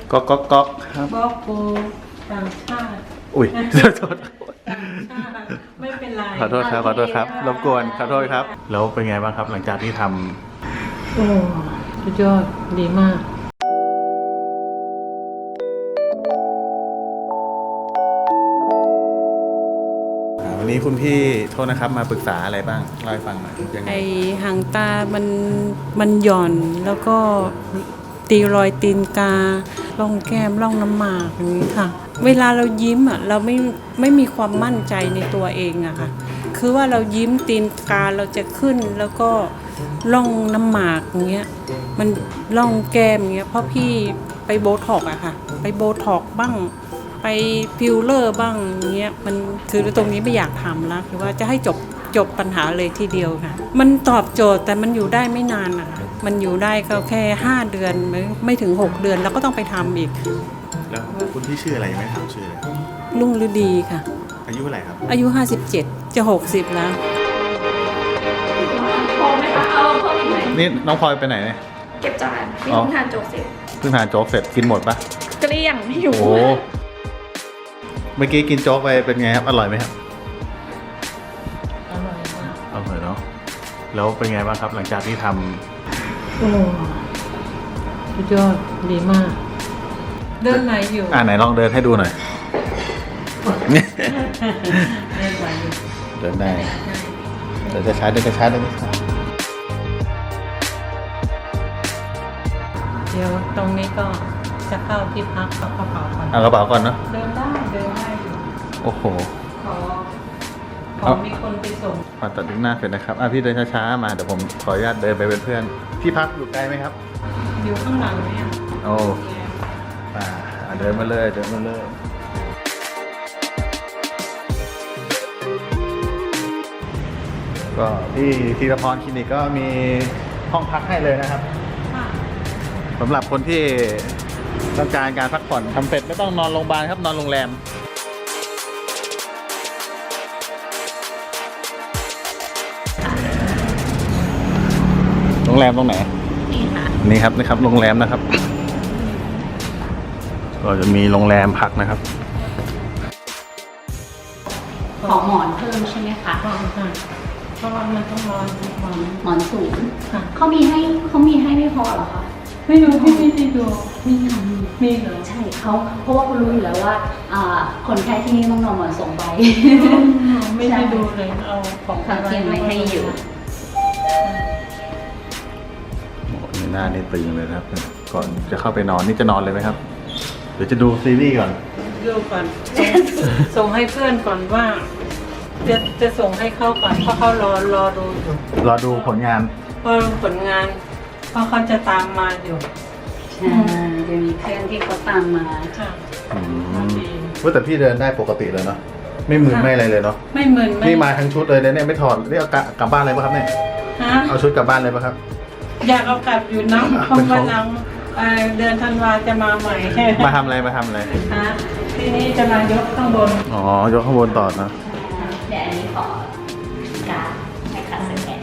ก๊อกครับบอกกูต่างชาติอุ้ยโทษต่างชาติไม่เป็นไรขอโทษครับรบกวนขอโทษครับแล้วเป็นไงบ้างครับหลังจากที่ทำโอ้สุดยอดดีมากวันนี้คุณพี่โทษนะครับมาปรึกษาอะไรบ้างเล่าให้ฟังหน่อยยังไงไอหางตามันหย่อนแล้วก็ตีรอยตีนการ่องแก้มร่องน้ำหมากอย่างนี้ค่ะเวลาเรายิ้มอ่ะเราไม่มีความมั่นใจในตัวเองอะค่ะคือว่าเรายิ้มตีนกาเราจะขึ้นแล้วก็ร่องน้ำหมากอย่างเงี้ยมันร่องแก้มอย่างเงี้ยเพราะพี่ไปโบท็อกอะค่ะไปโบท็อกบ้างไปฟิลเลอร์บ้างอย่างเงี้ยมันคือตรงนี้ไม่อยากทำแล้วคือว่าจะให้จบปัญหาเลยทีเดียวค่ะมันตอบโจทย์แต่มันอยู่ได้ไม่นานนะคะมันอยู่ได้ก็แค่5 เดือนไม่ถึง6 เดือนแล้วก็ต้องไปทำอีกแล้วคุณพี่ชื่ออะไรไม่ถามชื่อเลยรุ่งฤดีค่ะอายุเท่าไหร่ครับอายุ57จะ60แล้วพอไหมคะเอาเพิ่มอีกไหมนี่น้องพลอยไปไหนเนี่ยเก็บจานนี่เพิ่งทานโจ๊กเสร็จเพิ่งทานโจ๊กเสร็จกินหมดปะเกลี้ยงไม่อยู่โอ้เมื่อกี้กินโจ๊กไปเป็นไงครับอร่อยไหมครับอร่อยมากอร่อยเนาะแล้วเป็นไงบ้างครับหลังจากที่ทำโอ้สุดยอดดีมากเดินไหนอยู่ไหนลองเดินให้ดูหน่อยเดินไหนอยู่เดินได้เดินช้าเดินช้าเดินช้าเดี๋ยวตรงนี้ก็จะเข้าที่พักเอากระเป๋าก่อนเอากระเป๋าก่อนเนาะเดินได้อยู่โอ้โหขอมีคนไปส่งผ่าตัดดึงหน้าเสร็จนะครับพี่เดินช้าๆมาเดี๋ยวผมขออนุญาตเดินไปเป็นเพื่อนที่พักอยู่ไกลไหมครับอยู่ข้างหลังเนี่ยโอ้เดินมาเลยก็ที่ธีรพรคลินิกก็มีห้องพักให้เลยนะครับสำหรับคนที่ต้องการพักผ่อนทำเสร็จไม่ต้องนอนโรงพยาบาลครับนอนโรงแรมตรงไหนนี่ครับโรงแรมนะครับก็จะมีโรงแรมพักนะครับขอหมอนเพิ่มใช่ไหมคะเพราะว่ามันต้องนอนหมอนสูงเขามีให้ไม่พอเหรอคะไม่รู้พี่ไม่ได้ดูมีเหรอใช่เพราะว่าคุณรู้อยู่แล้วว่าคนไข้ที่นี่ต้องนอนหมอน2 ใบไม่ได้ดูเลยเอาของเตรียมไว้ให้อยู่หน้านี่ตึงเลยครับก่อนจะเข้าไปนอนนี่จะนอนเลยไหมครับหรือจะดูซีรีส์ก่อนดูก่อนส่งให้เพื่อนก่อนว่าจะส่งให้เขาก่อนเพราะเขารอดูอยู่รอดูผลงานเพราะเขาจะตามมาอยู่ใช่จะมีเพื่อนที่เขาตามมาค่ะว่าแต่พี่เดินได้ปกติเลยเนาะไม่มึนไม่อะไรเลยเนาะไม่มึนนี่มาทั้งชุดเลยเนี่ยไม่ถอดนี่เอากลับบ้านเลยป่ะครับเนี่ยเอาชุดกลับบ้านเลยป่ะครับอยากเอากลับอยู่นะเพราะวันหลังเดือนธันวาจะมาใหม่มาทำอะไรทีนี้จะมายกข้างบนยกข้างบนต่อนะเดี๋ยวอันนี้ขอการให้คัดสแกน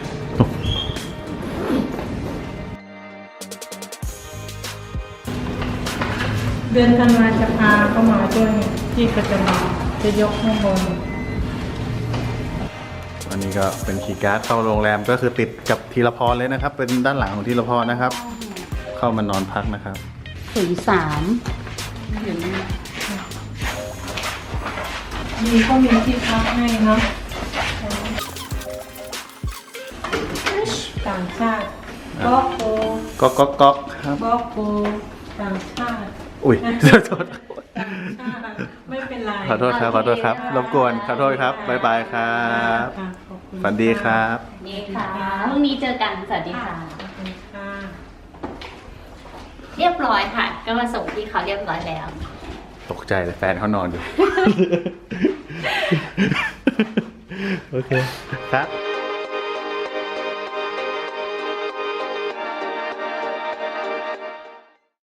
เดือนธันวาจะพาเข้ามาด้วยที่ก็จะยกข้างบนอันนี้ก็เป็นคีย์การ์ดเข้าโรงแรมก็คือติดกับธีรพรเลยนะครับเป็นด้านหลังของธีรพรนะครับเข้ามานอนพักนะครับ 03 อยู่นี่ก็มีที่พักให้เนาะต่างชาติก๊อกครับบอกกูต่างชาติอุ้ยโทษไม่เป็นไรขอโทษครับรบกวนขอโทษครับบ๊ายบายครับฝันดีครับนี่ค่ะพรุ่งนี้เจอกันสวัสดีค่ะเรียบร้อยค่ะก็มาส่งที่เขาเรียบร้อยแล้วตกใจเลยแฟนเขานอนอยู่โอเคครับ